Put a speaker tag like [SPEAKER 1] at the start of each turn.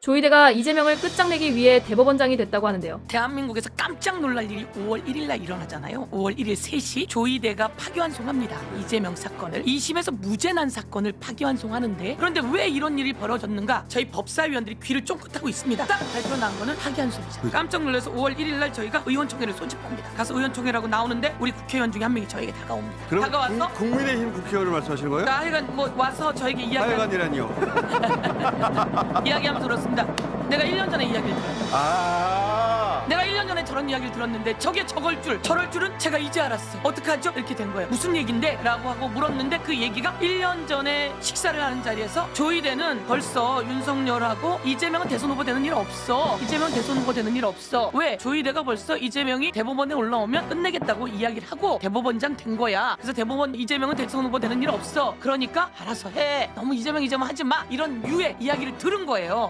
[SPEAKER 1] 조이대가 이재명을 끝장내기 위해 대법원장이 됐다고 하는데요.
[SPEAKER 2] 대한민국에서 깜짝 놀랄 일이 5월 1일 날 일어나잖아요. 5월 1일 3시 조이대가 파기환송합니다. 이재명 사건을 2심에서 무죄 난 사건을 파기환송하는데, 그런데 왜 이런 일이 벌어졌는가? 저희 법사위원들이 귀를 쫑긋하고 있습니다. 딱 발표 난 거는 파기환송이잖아요. 깜짝 놀라서 5월 1일 날 저희가 의원총회를 소집합니다. 가서 의원총회라고 나오는데 우리 국회의원 중에 한 명이 저에게 다가옵니다.
[SPEAKER 3] 그럼
[SPEAKER 2] 다가와서
[SPEAKER 3] 국민의힘 국회의원을 말씀하시는 거예요?
[SPEAKER 2] 하여간 뭐 와서 저에게
[SPEAKER 3] 하여간이라니요.
[SPEAKER 2] 이야기하면서 들었습니다. 내가 1년 전에 이야기를 들었어요. 내가 1년 전에 저런 이야기를 들었는데 저게 저럴 줄은 제가 이제 알았어요. 어떡하죠? 이렇게 된 거예요. 무슨 얘긴데? 라고 하고 물었는데 그 얘기가 1년 전에 식사를 하는 자리에서 조이대는 벌써 윤석열하고 이재명은 대선 후보 되는 일 없어. 이재명은 대선 후보 되는 일 없어. 왜? 조이대가 벌써 이재명이 대법원에 올라오면 끝내겠다고 이야기를 하고 대법원장 된 거야. 그래서 대법원 이재명은 대선 후보 되는 일 없어. 그러니까 알아서 해. 너무 이재명 하지 마. 이런 류의 이야기를 들은 거예요.